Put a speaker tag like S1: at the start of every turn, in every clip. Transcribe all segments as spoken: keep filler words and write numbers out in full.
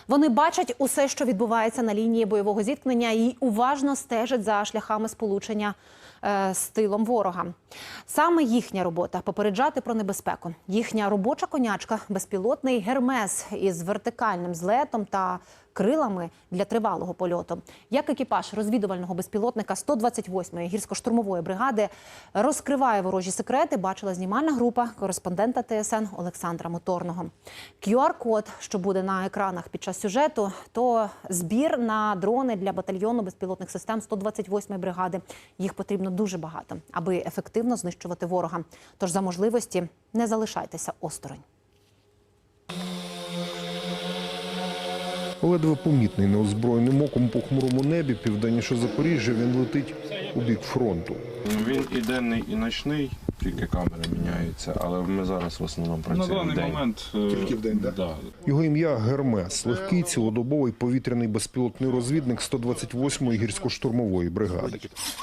S1: Вони бачать усе, що відбувається на лінії бойового зіткнення, і уважно стежать за шляхами сполучення е, з тилом ворога. Саме їхня робота – попереджати про небезпеку. Їхня робоча конячка – безпілотний «Гермес» із вертикальним злетом та крилами для тривалого польоту. Як екіпаж розвідувального безпілотника сто двадцять восьмої гірсько-штурмової бригади розкриває ворожі секрети, бачила знімальна група кореспондента ТСН Олександра Моторного. кю ар-код, що буде на екранах під час сюжету, то збір на дрони для батальйону безпілотних систем сто двадцять восьмої бригади. Їх потрібно дуже багато, аби ефективно знищувати ворога. Тож за можливості не залишайтеся осторонь.
S2: Ледве помітний неозброєним оком по хмурому небі південніше Запоріжжя, він летить у бік фронту.
S3: Він і денний, і ночний, тільки камери міняються, але ми зараз в основному працюємо
S4: на даний
S3: вдень.
S4: момент
S2: Тільки вдень, так?
S4: Да.
S2: Його ім'я Гермес – легкий цілодобовий повітряний безпілотний розвідник сто двадцять восьмої гірсько-штурмової бригади.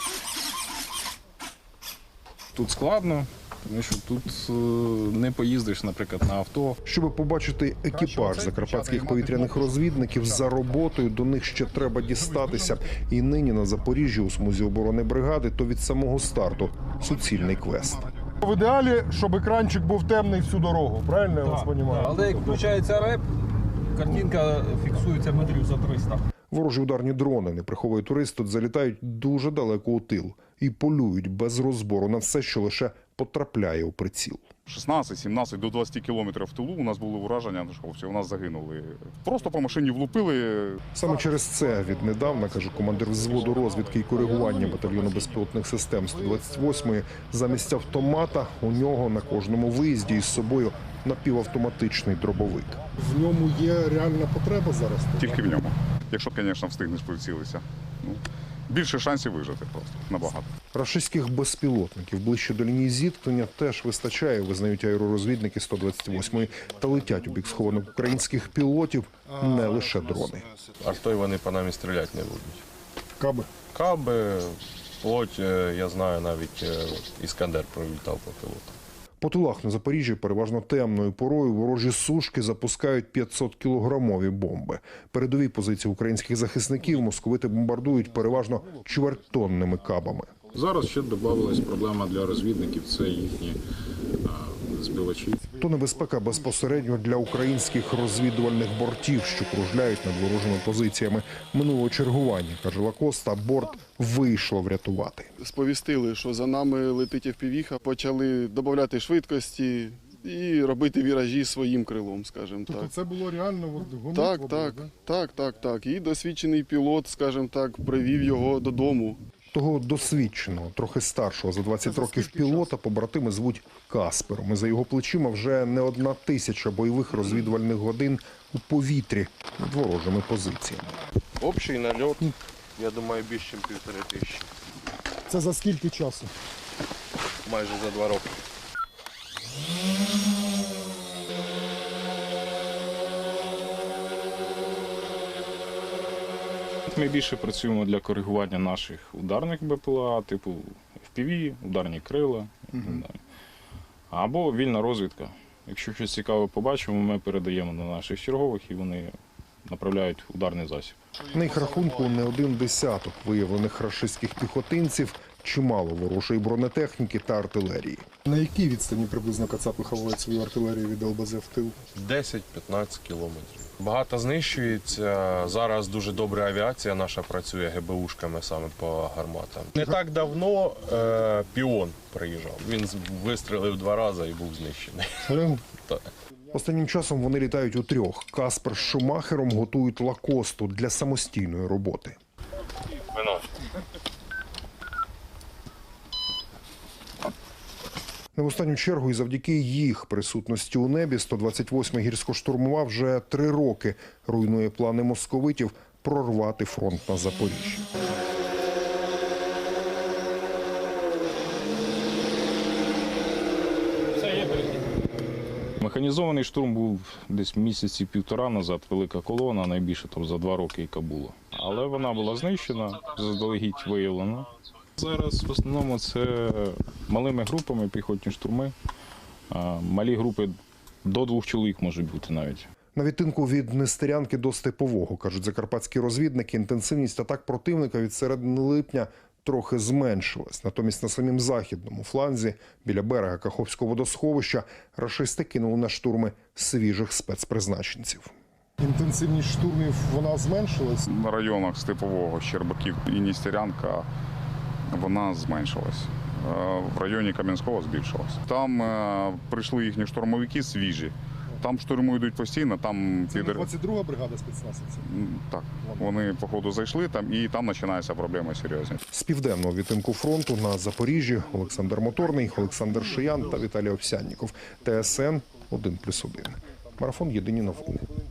S4: Тут складно, тому що тут е, не поїздиш, наприклад, на авто.
S2: Щоб побачити екіпаж закарпатських повітряних розвідників за роботою, до них ще треба дістатися. І нині на Запоріжжі у смузі оборони бригади то від самого старту суцільний квест.
S5: В ідеалі, щоб екранчик був темний всю дорогу, правильно я вас розумію?
S6: Але як включається реп, картинка фіксується метрів за триста.
S2: Ворожі ударні дрони, не приховує турист, тут залітають дуже далеко у тил і полюють без розбору на все, що лише потрапляє у приціл.
S7: шістнадцять, сімнадцять до двадцяти кілометрів в тилу у нас були ураження, що у нас загинули. Просто по машині влупили.
S2: Саме через це віднедавна, каже командир взводу розвідки і коригування батальйону безпілотних систем сто двадцять восьмої, замість автомата у нього на кожному виїзді із собою напівавтоматичний дробовик.
S5: В ньому є реальна потреба зараз?
S7: Тільки в ньому. Якщо, звісно, встигнеш прицілитися. Ну, більше шансів вижити просто, набагато.
S2: Рашистських безпілотників ближче до лінії зіткнення теж вистачає, визнають аеророзвідники сто двадцять восьмої. Та летять у бік схованих українських пілотів не лише дрони.
S3: Артою вони по нам і стріляти не будуть.
S5: Каби.
S3: Каби, плоть, я знаю, навіть Іскандер пролітав по пілоту.
S2: По тилах на Запоріжжі переважно темною порою ворожі сушки запускають п'ятсоткілограмові бомби. Передові позиції українських захисників московити бомбардують переважно чвертьтонними кабами.
S4: Зараз ще додавалась проблема для розвідників – це їхні а, збивачі.
S2: То небезпека безпосередньо для українських розвідувальних бортів, що кружляють над ворожими позиціями. Минулого чергування, каже Лакоста, борт вийшло врятувати.
S8: Сповістили, що за нами летить еф пі ві-ха, почали додати швидкості і робити віражі своїм крилом, скажімо так.
S5: Тобто це було реально от, гонитва?
S8: Так, так, так, так, так. І досвідчений пілот, скажімо так, привів його додому.
S2: Того досвідченого, трохи старшого за двадцять років пілота побратими звуть Каспером. І за його плечима вже не одна тисяча бойових розвідувальних годин у повітрі над ворожими позиціями.
S3: Общий нальот, я думаю, більше, ніж півтори тисячі.
S5: Це за скільки часу?
S3: Майже за два роки.
S4: Ми більше працюємо для коригування наших ударних бе пе ел а, типу еф пі ві, ударні крила. Угу. Або вільна розвідка. Якщо щось цікаве побачимо, ми передаємо на наших чергових і вони направляють ударний засіб.
S2: На їх рахунку не один десяток виявлених рашистських піхотинців, чимало ворожої бронетехніки та артилерії.
S5: На якій відстані приблизно кацапи ховають свою артилерію від ел бе зет в тил?
S3: десять-п'ятнадцять кілометрів. Багато знищується. Зараз дуже добра авіація наша працює ге бе ушками саме по гарматам. Не так давно е, піон приїжджав. Він вистрілив два рази і був знищений. Так.
S2: Останнім часом вони літають у трьох. Каспер з Шумахером готують Лакосту для самостійної роботи.
S3: Вино.
S2: Не в останню чергу і завдяки їх присутності у небі сто двадцять восьма гірсько-штурмова вже три роки руйнує плани московитів прорвати фронт на Запоріжжі.
S4: Механізований штурм був десь місяці півтора назад, велика колона, найбільше там за два роки, яка була. Але вона була знищена, заздалегідь виявлена. Зараз в основному це малими групами, піхотні штурми. Малі групи до двох чоловік можуть бути навіть.
S2: На відтинку від Нестерянки до Степового, кажуть закарпатські розвідники, інтенсивність атак противника від середини липня трохи зменшилась. Натомість на самім західному фланзі, біля берега Каховського водосховища, рашисти кинули на штурми свіжих спецпризначенців.
S5: Інтенсивність штурмів вона зменшилась.
S7: На районах Степового, Щербаків і Нестерянка вона зменшилась. Е, В районі Кам'янського збільшилась. Там е, прийшли їхні штурмовики свіжі. Там штурми йдуть постійно, там
S5: Це не
S7: підер-
S5: двадцять друга бригада спецназівців.
S7: М, Так, вони по ходу зайшли там, і там починаються проблеми серйозні.
S2: З південного відтинку фронту на Запоріжжі Олександр Моторний, Олександр Шиян та Віталій Овсянніков. Т С Н один плюс один. Марафон «Єдині новини».